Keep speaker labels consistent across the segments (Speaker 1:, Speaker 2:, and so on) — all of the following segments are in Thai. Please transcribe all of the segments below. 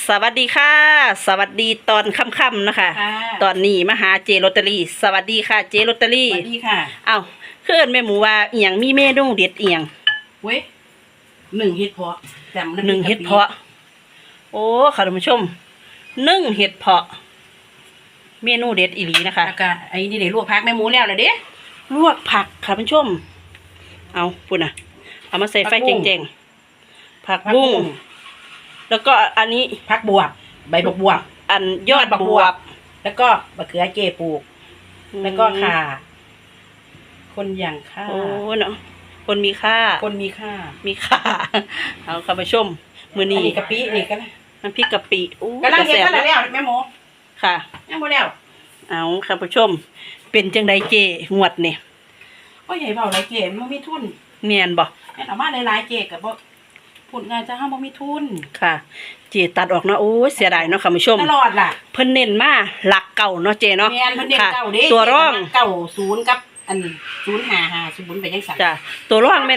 Speaker 1: สวัสดีค่ะสวัสดีตอนค่ำๆนะคะตอนนี้มาหาเจลอตเตอรี่สวัสดีค่ะเจลอตเตอรี่
Speaker 2: สวัสดีค่ะ
Speaker 1: เอ้าเพื่อนแม่หมูว่าเอียงมีเมนูเด็ดเอียง
Speaker 2: เว้ย1 เห็ดเพาะจำ
Speaker 1: 1 เห็ดเพาะโอ้ค่ะท่านผู้ชม1 เห็ดเพาะเมนูเด็ดอีหลีนะคะ
Speaker 2: แล้วก็ไอ้นี่เดี๋ยวลวกผักแม่หมูแล้วนะเด้
Speaker 1: ลวกผักค่ะท่านผู้ชมเอาปุ่นน่ะเอามาใส่ไฟเจงๆผักบุ้งแล้วก็อันนี้
Speaker 2: ผักบวบใบบักบวบ
Speaker 1: อันยอดบวบ
Speaker 2: แล้วก็มะเขือเจปลูกแล้วก็ข่าคนอย่างข่า
Speaker 1: โอ้เนาะคนมีค่ามีค่าเอาค่ะผู้ชมมื้อนี้
Speaker 2: กะปินี่ก็
Speaker 1: น้ำพริกกะปิอู้
Speaker 2: กำลังเฮ็ดกันแล้วแม่หมู
Speaker 1: ค่ะ
Speaker 2: ยังบ่แล้ว
Speaker 1: เอาค่ะผู้ชมเป็นจังไดเจงวดนี่
Speaker 2: โอ้ยใหญ่เบาหลายเจมันบ่มีทุน
Speaker 1: แม่นบ่
Speaker 2: แม่นเอามาหลายๆเจก็บ่พูดง่ายจะเฮาบ่มีทุน
Speaker 1: ค่ะเจตัดออกเนาะโอ้ยเสียดายเนาะค่ะผู้ชม
Speaker 2: ตลอดล่ะ
Speaker 1: เพิ่นเน้นมาหลักเก่าเนาะเจเนาะ
Speaker 2: แม่นเพิ่นเน้นเก่าเด้
Speaker 1: ตัวร่อง
Speaker 2: เก่า0กับอัน055ไปจังซั่น
Speaker 1: จ้ะตัวร่องเป็น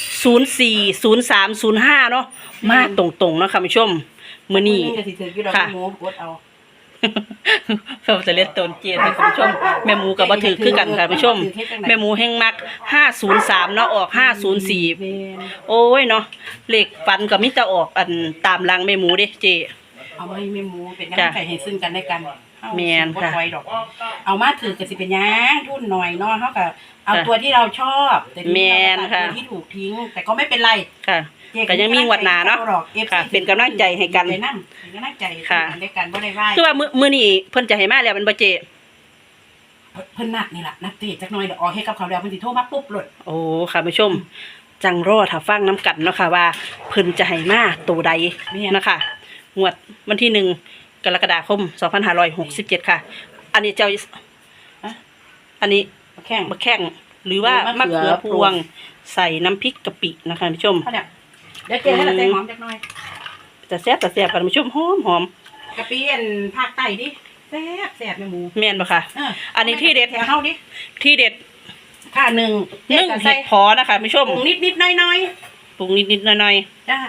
Speaker 1: 04 03 05เนาะมาตรงๆเนาะค่ะผู้ชมมื้อนี้
Speaker 2: ค่ะหมูกดเอา
Speaker 1: เราจะเล่นต้นเจนให้คุณผู้ชมแม่หมูกับบ่ถือคือกันค่ะผู้ชมแม่หมูแห่งมัก503เนาะออก504โอ้ยเนาะเลขฟันก็มีแต่ออกอันตามหลังแม่หมูเด้เจ
Speaker 2: เอาไว้แม่หมูเป็นกำลังใจให้ซึ่งกันและกัน
Speaker 1: แม่นค่ะ
Speaker 2: เอามาถือก็สิเป็นหยังทุนหน่อยเนาะเฮาก็เอาตัวที่เราชอบแต่
Speaker 1: แม่นค่ะ
Speaker 2: ที่ถูกทิ้งแต่ก็ไม่เป็นไร
Speaker 1: ค่ะก็ยังมีงวดหน้าเนาะค่ะเป็นกำลังใจให้กัน
Speaker 2: เป็นกำลังใจค่ะในการบ่ได้ว่า
Speaker 1: คือว่ามื้อนี้เพิ่นจะให้มาแล้วมันบ่เจ
Speaker 2: เพิ่นนัดนี่ล่ะนัดเตะจักหน่อยเดี๋ยวออกให้กับเขาแล้วเพิ่นสิโทรมาปุ๊บโลด
Speaker 1: โอ้ค่ะผู้ชมจังรอถ้าฟังน้ำกันเนาะค่ะว่าเพิ่นจะให้มาตัวใดนะคะงวดวันที่1 กรกฎาคม 2567ค่ะอันนี้เจ้าอันนี้มะแข้งหรือว่ามะเขือพวงใส่น้ำพริกกะปินะคะผู้ชม
Speaker 2: เดี๋ยวเจให้เราใส่หอมจักหน่อย
Speaker 1: จะแซ่บค่ะผู้ชมหอม
Speaker 2: กะปิอันภาคใต้ดิแซ่บแม่หมู
Speaker 1: แม่นบ่ค่ะอันนี้ที่เด็ด
Speaker 2: เฮาดิ
Speaker 1: ที่เด็ด
Speaker 2: ค่ะ1
Speaker 1: เห็ดพอนะคะผู้ชม
Speaker 2: ปรุงนิดๆหน่อย
Speaker 1: ๆปรุงนิดๆหน่อย
Speaker 2: ๆจ้า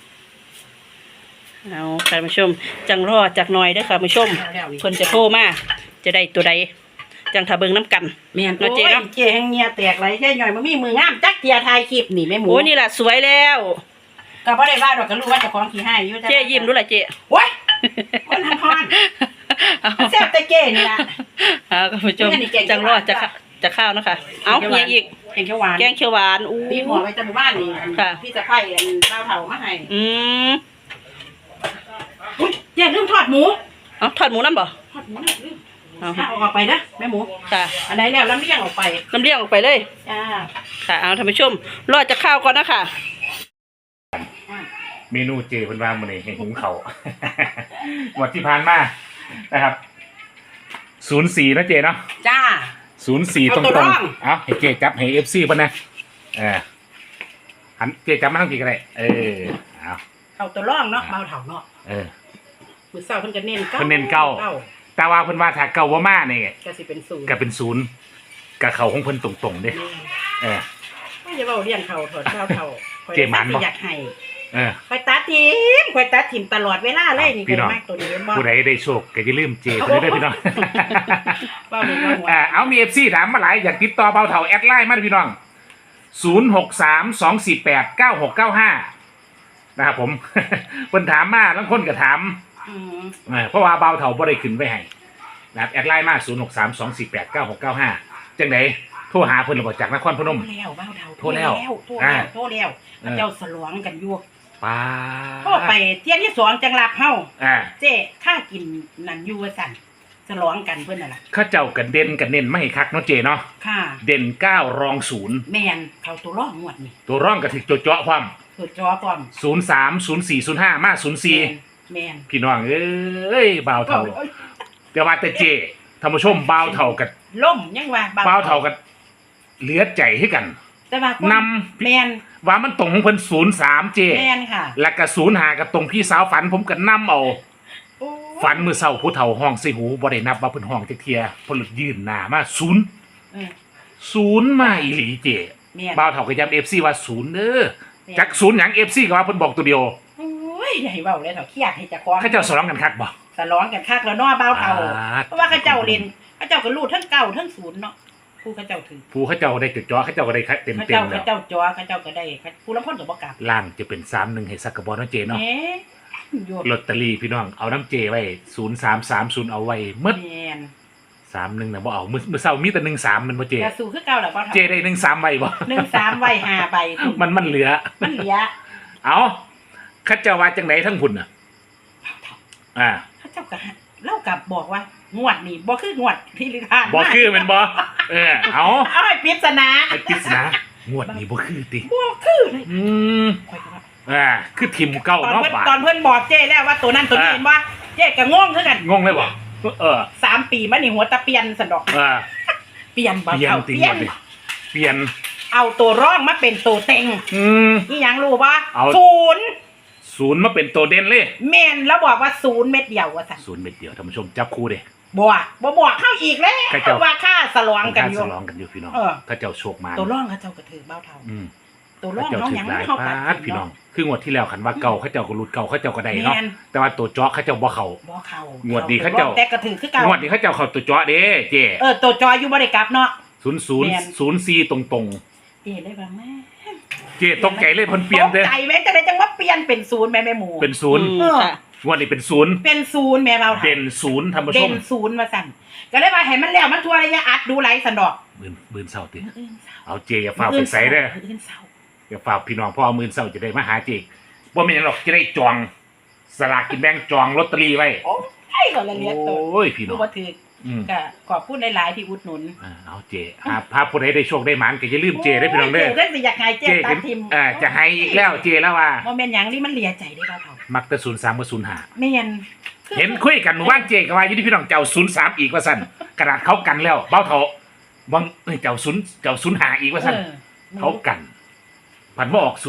Speaker 1: เอาค่ะผู้ชมจังรอจักหน่อยเด้อค่ะผู้ชมเพิ่นจะโทรมาจะได้ตัวใดจังถ้าเบิ่งน้ำกัน
Speaker 2: แม่นเนาะเจเนาะเจแห่งเงียแตกไหลแค่หน่อยบ่มีมืองามจักเทียถ่ายคลิปนี่แม่หมู
Speaker 1: โอ้นี่ล่ะสวยแล้ว
Speaker 2: ก็บ่ได้ว่าดอกก็รู้ว่าเจ้าของขี้ให้อยู่
Speaker 1: เจยิ้มดูล่ะเจ
Speaker 2: โอ้ยมันฮอนแซ่บแต่เจนี่ล่ะ
Speaker 1: ค่ะผู้ชมจังรอจะข้าวนะคะเอาเฮียอีก
Speaker 2: แกงเขียวหว
Speaker 1: านอู้
Speaker 2: พี่หัวไว้จำบ้านนี่พี่จะไผ่อันข้าวเฒ่ามาให้เจลืมทอดหมู
Speaker 1: ทอดหมูนำบ่
Speaker 2: ทอดหมูนำลืมเอาออกไปนะแม่หมู
Speaker 1: ค่ะ
Speaker 2: อันไหนแล้วลำเลียงออกไป
Speaker 1: เลย
Speaker 2: จ้า
Speaker 1: ค่ะเอาท่านผู้ชมรอจะข้าวก่อนนะคะ
Speaker 3: เมนูเจเพิ่นว่ามื้อนี้ให้หุงข้าวหมดที่ผ่านมานะครับ04นะเจเนาะ
Speaker 2: จ้า
Speaker 3: 04ตรงๆเอาให้เจจับให้ FC เพิ่นนะหันเจจับมาทางพี่ก็ได้เอา
Speaker 2: เข้าตัวร่องเนาะเบาเฒ่าเนาะมื้อเช้าเพิ่นก็เน้นเก้า
Speaker 3: แต่ว่าเพิ่นว่าถ้าเก่าบ่มานี่
Speaker 2: ก็สิเป็น0
Speaker 3: ก็เป็น0ก็เข้าของเพิ่นตรงๆเด้
Speaker 2: ไม่จะเว้าเลี้ยงเขาถอดเฒ่า
Speaker 3: เจมันบ่
Speaker 2: อยากให้ข่อยตัดทิมตลอดเวลาเลยนี่ก็มากตัวนี้บ่
Speaker 3: ผู้ใดได้โชคก็อย่าลืมเจเพิ่นเด้อพี่น้องเอามี FC ถามมาหลายอยากติดต่อเบาเฒ่าแอดไลน์มาพี่น้อง0632489695นะครับผมเพิ่นถามมาบางคนก็ถามเพราะว่าเบาเฒ่าบ่ได้ขึ้นไว้ให้นะครับแอดไลน์มา0632489695จังได๋โทรหาเพิ่นแล้วบ่จากนครพนม
Speaker 2: แล้วเบาเฒ่า
Speaker 3: โทรแล้ว
Speaker 2: เจ้าสลวงกันอยู่
Speaker 3: ป้า
Speaker 2: โทรไปเที่ยที่2จังหวัดเฮาเจ้ค่ากินนั่นอยู่ว่าซั่นสลวงกันเพิ่นน่ะล่ะ
Speaker 3: เขาเจ้ากันเด่นกันเน้นไม่ให้คักเนาะเจเนาะ
Speaker 2: ค่ะ
Speaker 3: เด่น9รอง0
Speaker 2: แม่นเขาตัวร่องงวดนี่
Speaker 3: ตัวร่องก็ถึกเจาะความ03 04 05มา04
Speaker 2: แม่น
Speaker 3: พี่น้องเอ้ยบ่าวเฒ่าแต่ว่าแต่เจท่านผู้ชมบ่าวเฒ่ากับ
Speaker 2: ล่มยังว่า
Speaker 3: บ่าวเฒ่ากับเหลือใจให้กัน
Speaker 2: แต่ว่าน
Speaker 3: ำแม่นว่ามันตรงของเพิ่น03เจ
Speaker 2: แม่นค่ะ
Speaker 3: แล้วก็05กับตรงพี่สาวฝันผมก็นำเอาฝันมื้อเช้าผู้เฒ่าห้องใส่หูบ่ได้นับว่าเพิ่นห้องจักเที่ยเพิ่นยื่นหน้ามา0มาอีหลีเจบ่าวเฒ่าก็ย้ำ FC ว่า0เด้อจัก0หยัง FC ก็ว่าเพิ่นบอกตัวเดียว
Speaker 2: โอ้ยยใหญ่เว้าเลยเถาเครียดให้เจ้าของ
Speaker 3: เขาเจ้าสร้องกันคักบ่
Speaker 2: สลองกันคักแล้วเนาะเบาเฒ่า
Speaker 3: อ่า
Speaker 2: เพราะว่าเขาเจ้าเล่นเขาเจ้าก็รูดทั้งเก่าทั้งศูนย์เนาะผู้เขาเจ้าถือ
Speaker 3: ผู้เขาเจ้าได้จุดจ่อเขาเจ้าก็ได้เต็ม
Speaker 2: เขา
Speaker 3: เต็
Speaker 2: เจ้าม
Speaker 3: แล้
Speaker 2: เขา
Speaker 3: ว
Speaker 2: เจ้าจอเขาเจ้าก็ได้ผู้ละคนก็บ่กลับ
Speaker 3: ล่างจะเป็น31ให้สักกระบอกเนาะเจเนาะ
Speaker 2: แหมโยด
Speaker 3: ลอตเตอรี่พี่น้องเอาน้ำเจไว้0330เอาไว้หมด
Speaker 2: แม่น
Speaker 3: 31น่ะบ่เอามื้อเช้ามีแต่13มันบ่เจ
Speaker 2: กระสู่คือเก่าแล้วเบาเฒ่า
Speaker 3: เจได้13ใบบ่
Speaker 2: 13ไว้5ใบพุ่น
Speaker 3: มันเหลือ
Speaker 2: มันเหลือ
Speaker 3: เอาเขาเจ้าว่าจังไดทั้งพุ่นน่ะ
Speaker 2: เบาเฒ่า
Speaker 3: อ่า
Speaker 2: เขาเจ้าก็เล่ากับบอกว่างวดนี่บ่คืองวดที่ลิทาน
Speaker 3: บ่คือแม่นบ่เอา
Speaker 2: เอาให้ปริศนา
Speaker 3: ไอ้ปริศนางวดนี้บ่คือติ
Speaker 2: บ่คือเลย
Speaker 3: อืม
Speaker 2: ข่อยก็ว่า
Speaker 3: คือทีมเก่า
Speaker 2: ตอน
Speaker 3: เนาะ
Speaker 2: เพิ่น
Speaker 3: บาด
Speaker 2: ตอนเพิ่นบอกเจ้แล้วว่าตัวนั้นตัวนี้เห็นบ่เจ้ก็งงคือกัน
Speaker 3: งงเลยบ่
Speaker 2: 3 ปีมานี่หัวตะเปลี่ยนซั่นดอกเปลี่ยนบ่
Speaker 3: เปลี่ยน
Speaker 2: เอา
Speaker 3: ติ
Speaker 2: เปลี่ยน
Speaker 3: งวดนี้เปลี่ยน
Speaker 2: เอาตัวร่องมาเป็นตัวเต็ง
Speaker 3: อืม
Speaker 2: อีหยังรู้บ่
Speaker 3: เอา
Speaker 2: 0
Speaker 3: ศูนย์มาเป็นตัวเด่นเลย
Speaker 2: แม่นแล้วบอกว่า0เม็ดเดียวว่าซั่น
Speaker 3: ศูนย์เม็ดเดียวท่านผู้ชมจับคู่เด้
Speaker 2: บ่บอกเข้าอีกแล้ว
Speaker 3: ใครเจ้า
Speaker 2: ว่าค่าสลองกันอยู่
Speaker 3: สลองกันอยู่พี่น้อง
Speaker 2: เออ
Speaker 3: ถ้าเจ้าโชคมา
Speaker 2: ตัวร่องเขาเจ้าก็ถือเบ้าเท่า
Speaker 3: อืม
Speaker 2: ตัวร่อง
Speaker 3: เจ้า
Speaker 2: น้อง
Speaker 3: ถึ
Speaker 2: ห
Speaker 3: ง
Speaker 2: ยัง
Speaker 3: หลาย
Speaker 2: เข้า
Speaker 3: ปา
Speaker 2: ตัด
Speaker 3: ดพี่น้อง คืองวดที่แล้วขันว่าเก่าเขาเจ้าก็รุดเก่าเขาเจ้าก็ได้เนาะ
Speaker 2: แม่น
Speaker 3: แต่ว่าตัวเจาะเขาเจ้าบ่เข้า
Speaker 2: บ่เข้าง
Speaker 3: วดนี้เขาเจ้า
Speaker 2: แต่ก็ถือคือเก่าง
Speaker 3: วดนี้เขาเจ้าเข้าตัวเจาะเด้เจ
Speaker 2: ตัวจอยอยู่บ่ได้กลับเนาะ
Speaker 3: 0004ตรง
Speaker 2: เจ๊ได้บ่แม่
Speaker 3: ๆเจตกใจเลยเพิ่นเปลี่ยนเด้
Speaker 2: ตกใจแม่จะได้จังว่าเปลี่ยนเป็น0แม่หมู
Speaker 3: เป็นศูนย์
Speaker 1: อืมค่ะ
Speaker 3: งวดนี้เป็นศูนย์
Speaker 2: เป็น0แม่เบาเท่า
Speaker 3: เด่นศูนย์ท่านผู้ช
Speaker 2: เด่
Speaker 3: ม
Speaker 2: น0ว่าซั่นก็เลยว่าให้มันแล้วมันทั่วระยะอัดดูไหลสันดอก
Speaker 3: มื่นเศร้าติ
Speaker 2: มื้ออื่นเช้า
Speaker 3: เอาเจอย่าฝากไปใส่เด้อ
Speaker 2: มื้ออื่นเช้า
Speaker 3: อย่าฝากพี่น้องเพราะเอามื่นเศร้าจะได้มาหาเจบ่มีหยังหรอกจะได้จองสลากกินแบ่งจองลอตเตอรี่ไว้
Speaker 2: โอ้ยก็ละเลียดตัว
Speaker 3: โอ้ยพี่น้อ
Speaker 2: ผู้
Speaker 3: ง
Speaker 2: บ่ถือ
Speaker 3: อืม
Speaker 2: ก็ขอบคุณหลายๆที่อุดหนุน
Speaker 3: เอาเจพาผู้ใดได้โชคได้หมานก็อย่าลืมเจได้อพี่น้องเด้อ
Speaker 2: โยเด้อสิอยากให้เจ๊
Speaker 3: เจ
Speaker 2: ตั
Speaker 3: เห็
Speaker 2: ด
Speaker 3: น
Speaker 2: ทิม
Speaker 3: จะให้อีกแล้วเจแล้วว่า
Speaker 2: บ่แม่นหยังนี่มันเหลียใจได้บ่เฒ่า
Speaker 3: มักแต่03กับ05
Speaker 2: แม่นคือ
Speaker 3: เห็นคุยกันเมื่อวานเจก็ว่าอยู่ที่พี่น้องเจ้า03อีกว่าซั่นกระดาษเขากันแล้วเบ้าเถาวังเจ้า05อีกว่าซั่น เขากันผันมาออก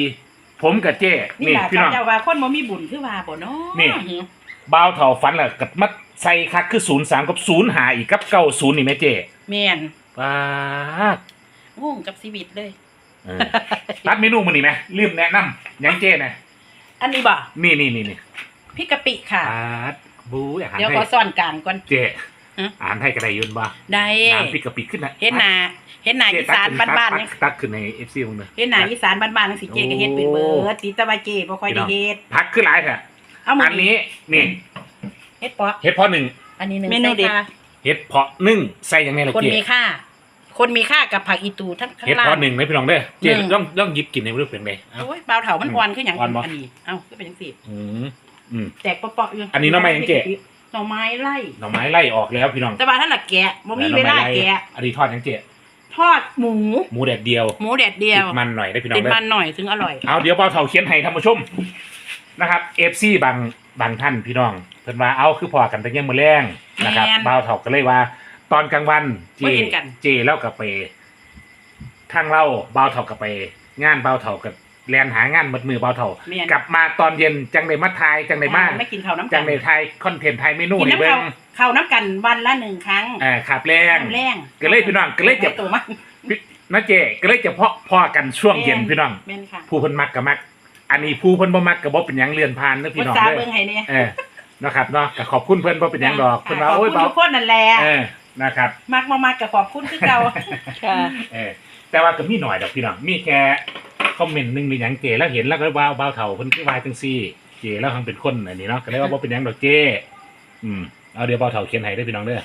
Speaker 3: 04ผมกับเจ
Speaker 2: นี่
Speaker 3: นี่
Speaker 2: ล่ะ
Speaker 3: พี่น้อง
Speaker 2: เจ้าว่าคนบ่มีบุญคือว่าบ่เนาะ
Speaker 3: นี่ เบ้าเถาฝันแล้วก็มาใส่คักคือ03กับ05อีกกับ90นี่แม่เจ
Speaker 2: แม่น
Speaker 3: ป๊าด
Speaker 2: งงกับชีวิตเลย
Speaker 3: เออตัดเมนูมื้อนี้ไหมลืมแนะนำหยังเจนะ
Speaker 2: อันนี้บ่
Speaker 3: นี่
Speaker 2: พริกกะปิค่ะ
Speaker 3: ป๊าดบูอาหาร
Speaker 2: เดี๋ยว
Speaker 3: ไท
Speaker 2: ขอย ซ่อนกลางก่อน
Speaker 3: เจ
Speaker 2: ฮะ
Speaker 3: อาหารไทยก็ได้อยืนบ่
Speaker 2: ได้
Speaker 3: น้ำพริกกะปิขึ้นนะ
Speaker 2: เฮ็ดหน้าอีสานบ้านๆ
Speaker 3: ตั
Speaker 2: นี่
Speaker 3: กตักขึ้นใน FC มึงเลย
Speaker 2: เฮ็ดหน้าอีสานบ้านๆจังสิเจ๊ก็เฮ็ดเป็นเบิดติตะวาเจ๊บ่ค่อยได้เฮ็ด
Speaker 3: พักขึ้นหลายค่ะ
Speaker 2: เอามื้
Speaker 3: อันนี้นี่
Speaker 2: เฮ็ดปะ
Speaker 3: เห็ดเพาะหนึ่ง
Speaker 2: อันนี้หนึง
Speaker 1: เมนูเด็ด
Speaker 2: ใส่ค่ะ
Speaker 3: เห็ดเพาะนึ่งใส่ยังไงล่ะ
Speaker 2: คน
Speaker 3: เจ
Speaker 2: มีค่า คนมีค่ากับผักอีตูทั้งข้าง
Speaker 3: เห็ด
Speaker 2: ล่าง
Speaker 3: เพาะหนึ่งไหมพี่น้องเด้อเจ
Speaker 2: หนึ่ง
Speaker 3: ต้องหยิบกินในรูปเป็นไงเอ้า
Speaker 2: โอ้ยเบาเถามันอ่อนคือหยัง
Speaker 3: อ่อนบ่
Speaker 2: อันนี้เอ้าคือเป็นจังซี่
Speaker 3: อืมอืม
Speaker 2: แตกเปาะๆอยู่
Speaker 3: อันนี้หน่อไม้ยังเจ๊
Speaker 2: หน่อไม้ไล่
Speaker 3: หน่อไม้ไล่ออกแล้วพี่น้อง
Speaker 2: แต่ว่าท่านน่ะแกะบ่มีเวลาแกะ
Speaker 3: อันนี้ทอดยังเจ
Speaker 2: ทอดหมู
Speaker 3: หมูแดดเดียว
Speaker 2: หมูแดดเดียว
Speaker 3: ติดมันหน่อยได้พี่น้อ
Speaker 2: ติ
Speaker 3: ง
Speaker 2: ด
Speaker 3: เด้
Speaker 2: มั
Speaker 3: อน
Speaker 2: หน่อยถึงอร่อย
Speaker 3: เอาเดี๋ยวเบาเถาเขียนให้ท่านผู้ชมนะครับเอฟซีบางท่านพี่น้องเพิ่นว่าเอาคือพอกันแต่ยังมื้อแรงนะครับ
Speaker 2: แม่น
Speaker 3: เบาเถาก็เลยว่า ตอนกลางวันเจ
Speaker 2: บ่เห็นกัน
Speaker 3: เจแล้วก็ไปทางเล่าเบาเถาก็ไป งานเบาเถากับแลนหางานมัดมือเบาเถา
Speaker 2: แม่น
Speaker 3: กลับมาตอนเย็นจังได้มาทายจังได้มา
Speaker 2: ไม่กินข้าวน้ำกั
Speaker 3: จังได้ทายคอนเทนต์ทายเมนู
Speaker 2: กิน
Speaker 3: ให้
Speaker 2: น้ำ
Speaker 3: เบิ่
Speaker 2: ข้าวน้ำกันวันละ1ครั้ง
Speaker 3: ขับแรง
Speaker 2: น้ำแรง
Speaker 3: ก็เลยพี่น้องก็เลยจะ
Speaker 2: ตัวมัน
Speaker 3: นะเจก็เลยจะพอกันช่วงเย็นพี่น้อง
Speaker 2: แม่นค่ะ
Speaker 3: ผู้เพิ่นมักก็มัก อันนี้ผู้เพิ่นบ่มักก็บ่เป็นหยังเลื่อนผ่านเด้อพี่
Speaker 2: ภา
Speaker 3: น้อง
Speaker 2: ษา
Speaker 3: เด้
Speaker 2: เบิ่ง
Speaker 3: อ
Speaker 2: ให้เนี่ย
Speaker 3: นะครับเนาะก็ขอบคุณเพิ่นบ่เป็นหยังดอกเพิ่นว่าโอ้ย
Speaker 2: ขอบคุณ
Speaker 3: เบา
Speaker 2: ทุกคนนั่นแหละ
Speaker 3: นะครับ
Speaker 2: มักบ่มักก็ขอบคุณคือเก่า
Speaker 1: ค่ะ
Speaker 3: แต่ว่าก็มีหน่อยดอกพี่น้องมีแค่คอมเมนต์หนึงหรือหยังเจแล้วเห็นแล้วก็ว่าเบาเฒ่าเพิ่นคือว่าจังซี่เจแล้วทั้งเป็นคนอันนี้เนาะก็เลยว่าบ่เป็นหยังดอกเจเอาเดี๋ยวเบาเฒ่าเขียนให้เด้อพี่น้องเด้อ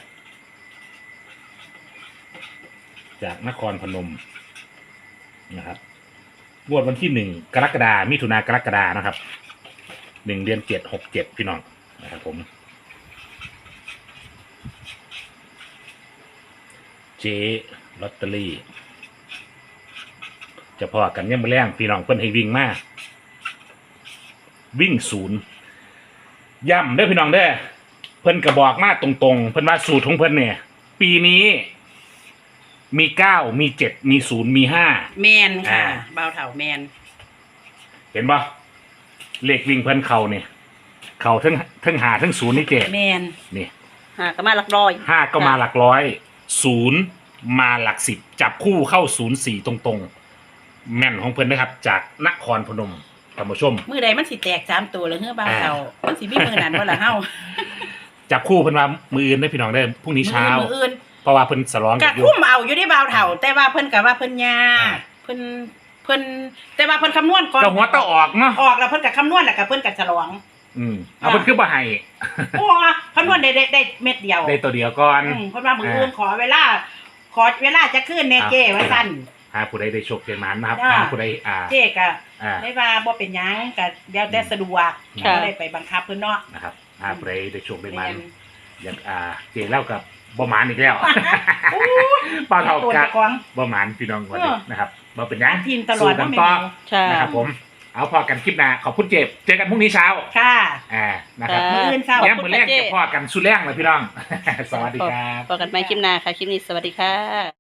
Speaker 3: จากนครพนมนะครับงวดวันที่1 กรกฎาคมมิถุนากรกฎานะครับ1 เดือน 7 6 7พี่น้องนะครับผมเจลอตเตอรี่จะพอกันยังไม่แรงพี่น้องเพิ่นให้วิ่งมาวิ่ง0ย่ำเด้อพี่น้องเด้อเพิ่นก็บอกมาตรงๆเพิ่นว่าสูตรของเพิ่นเนี่ยปีนี้มี9มี7มี0มี5
Speaker 2: แมนค่ะเบาเถาแมน
Speaker 3: เห็นปะเลขวิ่งเพิ่นเข่าเนี่ยเข่าทั้งหาทั้งศูนย์นี่เจ
Speaker 2: แมน
Speaker 3: นี่
Speaker 1: หาก็มาหลักร้อย
Speaker 3: 5ก็มาหลักร้อย0มาหลัก10จับคู่เข้า04ตรงๆแม่นของเพิ่นนะครับจากนครพนมท่านผู้ชม
Speaker 2: มื้อใดมันสิแตก3ตัวแล้วเฮือบ่าวเฒ่ามันสิมีมื้อนั้นบ่ล่ะเฮา
Speaker 3: จับคู่เพิ่นว่ามืออื่นได้อพี่น้องได้อพรุ่งนี้เช้า
Speaker 2: มื้ออื่น
Speaker 3: เพราะว่าเพิ่นสลอง
Speaker 2: ก็
Speaker 3: กันอยู่
Speaker 2: คุ้มเอาอยู่ที่บ่าวเฒ่า แต่ว่าเพิ่นก็ว่าเพิ่นยา
Speaker 3: อ่า
Speaker 2: เพิ่นแต่ว่าเพิ่นคำนวณก่อน
Speaker 3: ก็หัวตะออกเนาะ
Speaker 2: ออกแล้วเพิ่นก็คำนวณแล้วก็เพิ่นก็ฉลอง
Speaker 3: เอาเพิ่นคือบ่ให้
Speaker 2: โอ้คำนวณได้เม็ดเดียว
Speaker 3: ได้ตัวเดียวก่อน
Speaker 2: เพิ่นว่ามื้ออื่นขอเวลาจะขึ้นแน่เจ้ว่าซั่น
Speaker 3: หาผู้ใดได้โชคได้หมานนะครับ
Speaker 2: จ้า
Speaker 3: หาผู้ใด
Speaker 2: เจ้ก็
Speaker 3: อ่า
Speaker 2: ได้ว่าบ่เป็นหยังก็แล้วแต่สะดวก
Speaker 1: ค่ะ
Speaker 2: บ่ได้ไปบังคับเพิ่นเนาะ
Speaker 3: นะครับหาผู้ใดได้โชคได้หมาน
Speaker 2: แม่น
Speaker 3: อย่างเจเล่ากับบ่หมานอีกแล้ว
Speaker 2: โอ้
Speaker 3: เปล่าเท่า
Speaker 2: ตัว
Speaker 3: กั
Speaker 2: เจ้าของ
Speaker 3: บ่หมานพี่น้องวันนี้นะครับบ่เป็นหยัง
Speaker 2: ทีมตลอด
Speaker 3: สู้กั
Speaker 2: ว่าแม่
Speaker 3: ต่อ
Speaker 2: น
Speaker 1: ใช่
Speaker 3: นะครับผมเอาพอกันคลิปหน้าขอบคุณเจฟเจอกันพรุ่งนี้เช้า
Speaker 2: ค่ะ
Speaker 3: นะครับ
Speaker 2: มื้ออื่นเช้า
Speaker 3: ย้ำมือแรกจะพอกันสุดแรงเลยพี่น้อง สวัสดีครับ
Speaker 1: พบกันใหม่คลิปหน้าค่ะ คลิปนี้สวัสดีค่ะ